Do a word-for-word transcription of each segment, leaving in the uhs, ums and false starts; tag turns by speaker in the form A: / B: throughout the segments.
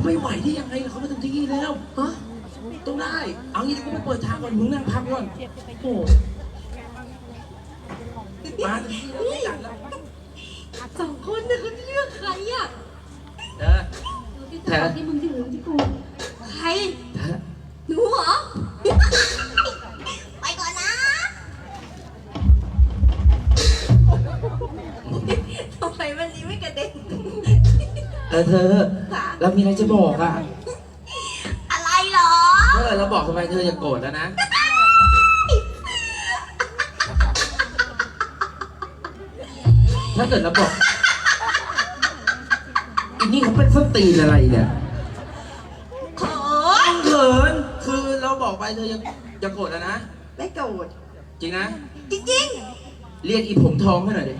A: ไม่ไหวได้ยังไงเขามาถึงที่นี่แล้วฮะต้องได้เอางี้กูไปเปิดทางก่อนมึงนั่งพักก่อนโอ้มาถึงที่แล้วไม่จัดแล้ว
B: สองคนเนี่ยเขาเลือกใครอ่ะ
A: เออ
B: แท้ที่มึงที่หรือที่กูใคร
A: แท้
B: หนูเหรอไปก่อนนะทำไมวันนี้ไม่กระเด็น
A: เออเธอเรามีอะไรจะบอกอ่ะ
B: อะไรหรอ
A: เออเราบอกทำไมเธออย่าโกรธแล้วนะถ้าเกิดเราบอกอันนี้เขาเป็นส้นตีนอะไรเนี่ย
B: เขิน
A: เขินคือเราบอกไปเธออย่าอย่าโกรธแล้วนะ
B: ไม่โกรธ
A: จริงนะ
B: จริง
A: ๆเรียกอีผมทองให้หน่อยดิ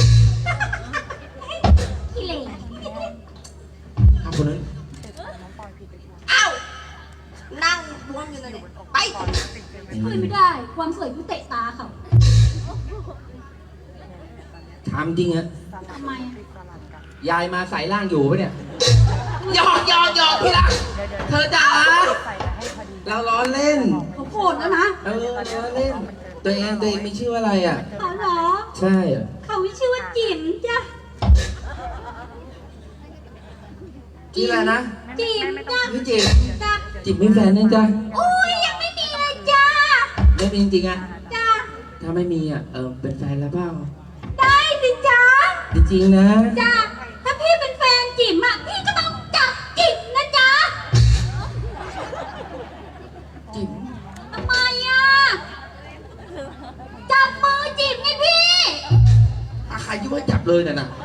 B: ขี้เหร่
A: ทำคนนั้น
B: อ้าวนั่งรวมอยู่ในหนูไปช่วยไม่ได้ความสวยผู้เตะตาเขา
A: ถามจริงอะ
B: ทำไม
A: ยายมาสายล่างอยู่ปะเนี่ยหยอกหยอกหยอกพี่รักเธอจ๋าเราล้อเล่น
B: เขาโกรธแล้วนะ
A: เออล้อเล่นตัวเองตัวเองมีชื่ออะไรอ่ะ
B: อ๋อเหรอ
A: ใช่
B: เขาชื่อว่าจิ๋มจ้ะ
A: ชื่ออะไรนะ
B: จิ๋มจ้ะ
A: พี่จิ๋ม
B: จ้ะ
A: จิ๋มมีแฟนยังจ้ะ
B: โอ้ยยังไม่มีเลยจ้ะ
A: ไม่มีจริงๆอ่ะ
B: จ้ะ
A: ถ้าไม่มีอ่ะเออเป็นแฟนแล้วเปล่า
B: ได้สิจ้ะ
A: จริงๆนะ
B: จ้ะถ้าพี่เป็นแฟนจิ๋มอ่ะพี่ก็ต้องจับจิ๋มนะจ๊ะ
A: จิ๋ม
B: ทำไมอ่ะจับมือจิ๋มไงพี่
A: ถ้าใครยุ่งให้จับเลยน่ะนะ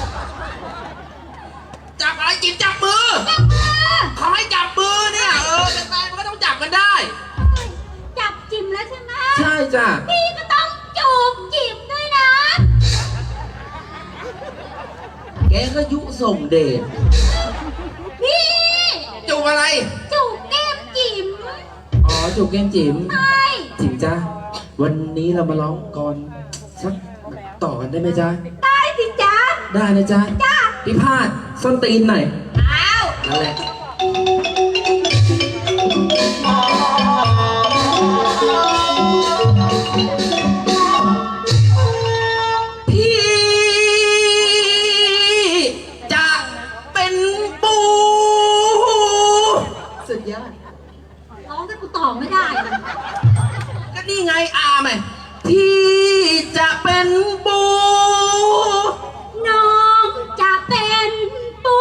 A: จับอะไรจิ๋มจับมือ
B: จับมือ
A: เขาให้จับมือเนี่ยเออเป็นแฟนมันก็ต้องจับกันได้
B: จับจิ๋มแล้วใช่ไหม
A: ใช่จ้ะ
B: พี่ก็ต้องจูบจิ๋มด้วยนะ
A: แกก็ยุส่งเดช
B: พี่
A: จูบอะไร
B: จูบแก้มจิ๋ม
A: อ๋อจูบแก้มจิ๋ม
B: ใช่
A: จิ๋มจ้ะวันนี้เรามาร้องกรสักต่อกันได้ไหมจ๊ะ
B: ได้สิจ๊ะ
A: ได้นะจ๊ะ
B: จ้ะ
A: พี่พาดส้นตีนหน่อย
B: อ้าว
A: นั่นแหละพี่จะเป็นปูสุดยอด
B: ร้องแต่กูตอบไม่ได้
A: ก็นี่ไงอาไหมพี่จะเป็นปู
B: น้องจะเป็นปู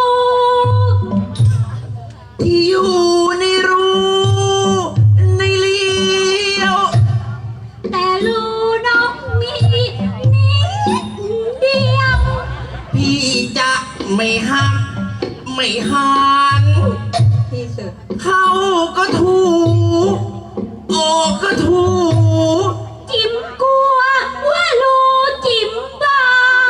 A: ที่อยู่ในรูในเลี้ยว
B: แต่รูน้องมีนิดเดียว
A: พี่จะไม่หักไม่หัน
B: ที่สุด
A: เข้าก็ถูออกก็ถู
B: จิ๋มกลัวว่ารูจิ๋มบา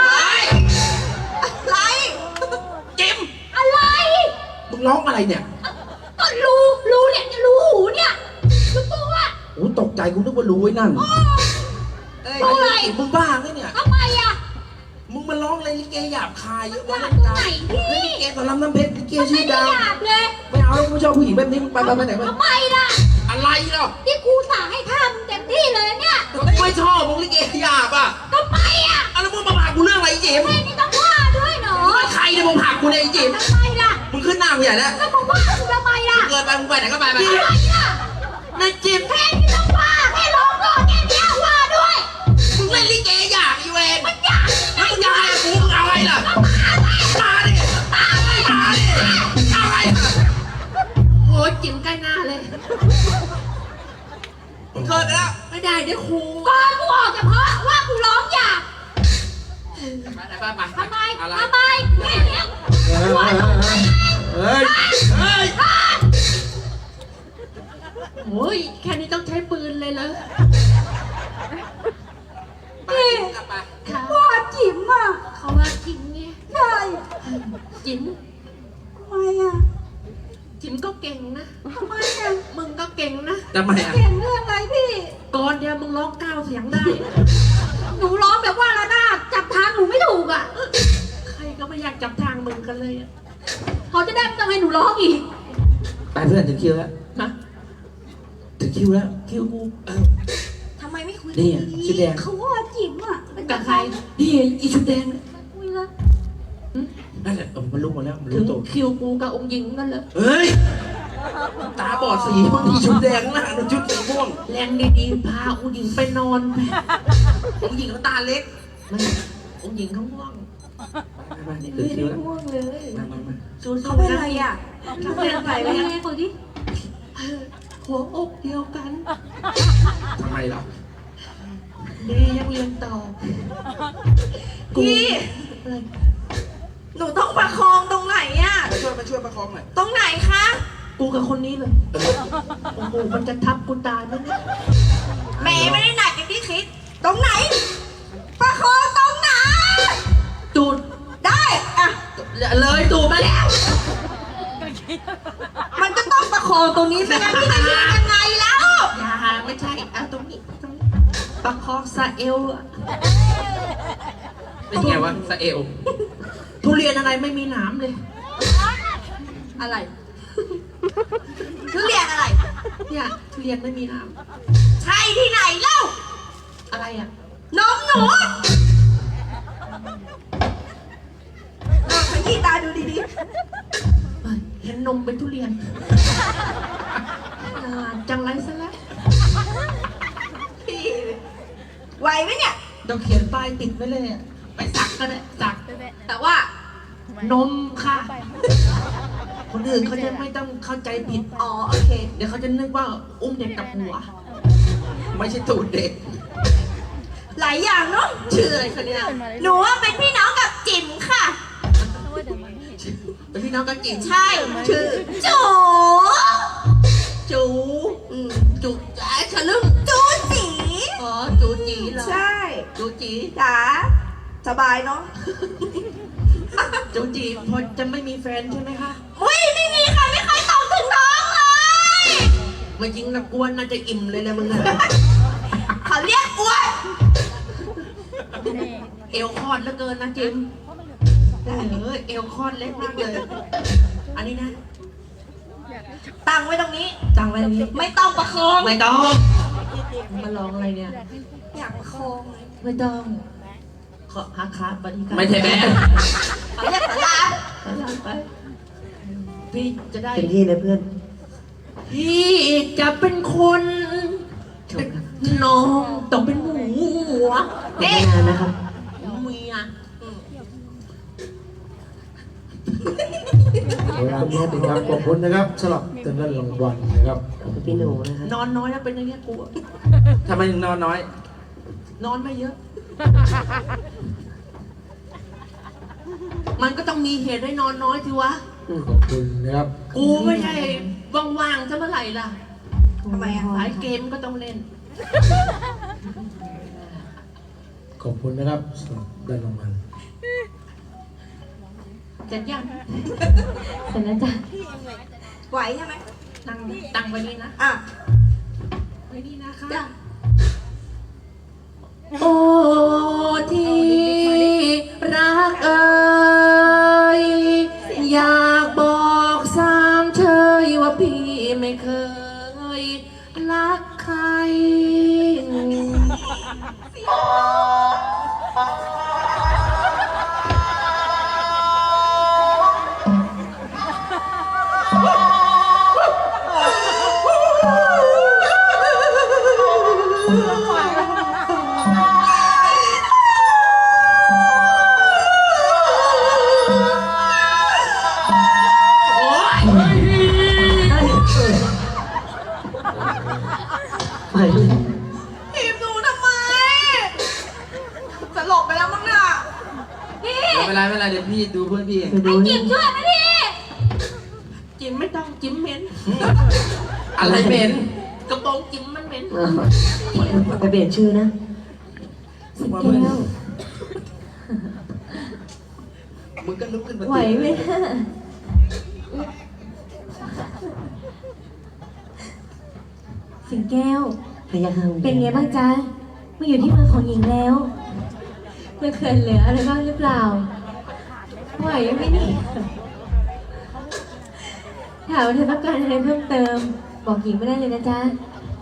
B: อะไร
A: จิ๋ม
B: อะไร
A: มึงร้องอะไรเนี่ย
B: ก็รูรูเนี่ยรูหูเนี่ยรูตัว
A: โอ้ตกใจกูนึกว่ารู้ไว้นั่น
B: เอ้ยอะไร
A: มึงบ้าไงเนี่ย
B: ทำไมอ่ะ
A: มึงมาร้องอะไรลิเกหยาบคายเยอะ
B: วะ
A: เล่
B: นไหนพี่
A: ลิเกสอนรามน้ำเพชรลิเกชื่อดัง
B: ไม่หยาบเลย
A: ไม่เอาแล้วกูชอบผู้หญิงแบบนี้มึงไปไปไปไหนมา
B: ทำไมล่ะ
A: อะไรเนาะ
B: ที่กูสั่งให้ทำเต็มที่เลยเนี่ย
A: ไม่ชอบมึงลิเกหยาบอ่ะ
B: ทำไมอ่ะ
A: เอาแล้วมึงมาผ่ากูเรื่องอะไรจิ๋ม
B: ไม่นี่ต้องว่าด้วยเนาะ
A: ใครเนี่ยมึงผ่ากูเนี่ยจิ๋ม
B: ทำไมล่ะ
A: มึงขึ้นหน้ากูใหญ่แล้ว
B: แล้วมึงว่ากูทำไมล่ะ
A: เกินไปมึงไปไหนก็ไปไป
B: ทำไมล่ะ
A: นายจิ๋ม
B: แค่นี้ต้องว่าแค่ร้องก่อนแค่นี้ว่าด้วย
A: มึงเล่นลิเกหยาบอีเวน
B: มันหยาบ
A: แล้วมึงจะให้กูมึงเอาไงล่ะมาดิมาดิมาดิเอาไง
B: โอ้ยจิ๋มใกล้หน้าเลย
A: มึงเกินไปแล้ว
B: ไม่ได้เดี๋ยวครูก่อนกูออกเฉพาะว่ากูร้องหยาบ
A: ไปไปไป
B: ทำไมทำไมแค่นี้
A: เฮ้ยเฮ้ย
B: โอ้ยแค่นี้ต้องใช้ปืนเลยเหรอ
A: พี่
B: ว่าจิ๋มอ่ะเขาว่าจิ๋มไงใช่จิ๋มทำไมอ่ะจิ๋มก็เก่งนะทำไมอ่ะมึงก็เก่งนะ
A: ทำไมอ่ะ
B: เก่งเรื่องอะไรพี่ก่อนเดียวมึงร้องเก้าเสียงได้หนูร้องแบบว่าระนาดจับทางหนูไม่ถูกอ่ะใครก็ไม่อยากจับทางมึงกันเลยอ่ะเขาจะได้ไม่ต้องให้หนูร้องอีก
A: ไปเพื่อนถึงคิวแล้ว
B: นะ
A: ถึงคิวแล้วคิวกูเออ
C: ทำไมไม่คุย
A: นี่อะชุดแดง
C: เขาว่าจิ๋มอ่ะ
B: กับใคร
A: นี่อีชุดแดงเนี่ย
C: คุยละ
A: นั่นแหละเออมันรู้หมดแล้วมัน
B: ถึ
A: รู้
B: ง
A: ตัว
B: คิวกูกับองค์หญิงนั่นเลย
A: เฮ้ยตาบอดสีมันมีชุดแดงหน้ามันชุดสีม่วง
B: แรงดีๆพาองค์หญิงไปนอนไป
A: ผมหญิงเขาตาเล็ก
B: ไม่องค์หญิงเขาง่วง
A: มามานี่ถึงคิวแล้ว
C: ง่วงเลย
A: มามามา
B: สู้ๆ
C: เขาเป็นอะไรอ่ะ
B: เขาเป็นอะไร
C: ไป
B: เนี่ย
C: ไงคนที่
B: หัวอกเดียวกัน
A: ทำไมล่ะ
B: ดียังเรียนต่อ
C: พี่
B: อะไร
C: หนูต้องประคองตรงไหนอ่ะ
A: มาช่วยมาช่วยประคองหน่อย
C: ตรงไหนคะ
B: กูกับคนนี้เลยโอ้โหมันจะทับกูตายไหมเนี่ย
C: แหม่ไม่ได้หนักอย่างที่คิด ตรงไหน ประคองตรงไหน
B: ตูด
C: ได้อ่ะ
B: เลยตูดมาแล้ว
C: มันก็ต้องประคองตรงนี้ไม่งั้นพี่จะยืนยังไงแล้ว
B: อย่าไม่ใช่เอาตรงนี้ตรงนี้ประคองซาเอลอะ
A: เป็นไงวะสะเอล
B: ทุเรียนอะไรไม่มีหนามเลย
C: อะไรทุเรียนอะไร
B: เนี่ยทุเรียนไม่มีหนาม
C: ใช่ที่ไหนเล่า
B: อะไรอ่ะ
C: น้องหนูอ่ะขยี้ตาดูดี
B: เฮ้ยเห็นนมเป็นทุเรียนอ่าจังไรซะแล้ว
C: ๆพี่ไหวไหมเนี่ย
B: ต้องเขียนป้ายติดไว้เลยอะไปสักก็ได้สัก
C: แต่ว่า
B: นมค่ะ คนอื่นเขาจะไม่ต้องเข้าใจผิด
C: อ๋อโอเค
B: เดี๋ยวเขาจะนึกว่าอุ้มเด็กกับหัว
A: ไม่ใช่ตูดเด็ก
C: หลายอย่างเนาะ
B: ชื่ออะไรคะเนี่ย
C: หนูว่าเป็นพี่น้องกับจิ๋มค่ะ
B: เป็นพี่น้องกันจริง
C: ใช่ ชื่อจู
B: จู
C: อืม
B: จูไอ้ฉลึ่ง
C: จูสี
B: อ๋อจูจีเหรอ
C: ใช่
B: จูจี
C: จ๋าสบายเนาะ
B: จูจีพอจะไม่มีแฟนใช่ไหมคะ
C: อุ้ยไม่มีใครไม่เคยตอบถึงน้องเลย
B: ไม่จริงนะกวนน่าจะอิ่มเลยแหละมึงอะ
C: เขาเรียกอ้วน
B: เอวคลอดเหลือเกินนะจิมเออเอวคลอดเล็กมากเลย อันนี้นะ
C: ตั้งไว้ตรงนี้
B: จังไรนี้
C: ไม่ต้องประคอง
B: ไม่ต้องมาลองอะไรเนี่ย
C: อยากประคองเลย
B: ไม่ต้องขอฮักครับบริการ
A: ไม่ใช่แม่
C: เขาเรียกสารา
B: สลามไปพี่จะได้
D: เต็มที่เลยเพื่อน
B: พี่จะเป็นคนน้องต้องเป็นหมูหัว
D: ไม่นานนะครับ
B: เมีย
E: เวลานี้เป็นครับขอบคุณนะครับสำหรับเต็มเงินรางวัลนะครับ
D: พี่หนูนะครับ
B: นอนน้อยแล้วเป็นอย่างเงี้ยกูอะ
A: ทำไมถึงนอนน้อย
B: นอนไม่เยอะ มันก็ต้องมีเหตุให้นอนน้อยสิวะ
E: ขอบคุณนะครับ
B: กูไม่ใช่ว่างๆซะเมื่อไหร่ล่ะ
C: ทำไมอ่ะ
B: หลายเกมก็ต้องเล่น
E: ขอบคุณนะครับสำหรับได้รางวัล
B: เสร็จยัง
D: เสร็จแล้วจ้ะ
C: ไหวใช่ไหม
B: ตั้งตั้งไว้นี่นะ
C: อ่ะ
B: ไว้นี่นะคะ
C: จ้ะ
B: โอ้ที่รักเอ่ยอยากบอกสามเชยว่าพี่ไม่เคยรักใคร
D: ไป
C: ทีมหนูทำไมสลบไปแล้วมั้งน่ะพี่
A: ไม่เป็นไรไม่เป็นไรเดี๋ยวพี่ดูเพื่อนพี่เอง
D: ไปดู
C: จิ๋มช่วยไหมพี่
B: จิ้มไม่ต้องจิ้มเหม็น
A: อะไรเหม็น
B: กระโปรงจิ้มมันเหม็น
D: อ่าไปเปลี่ยนชื่อนะสิแก้ว
A: มึงก็ลุกขึ้นมา
D: ไหวไหมสิงแก้ว เป็นไงบ้างจ๊ะมาอยู่ที่เมืองของหญิงแล้วไม่เคยเหลืออะไรบ้างหรือเปล่าไหวไหมนี่ถามว่าเธอต้องการอะไรเพิ่มเติม บอกหญิงไม่ได้เลยนะจ๊ะ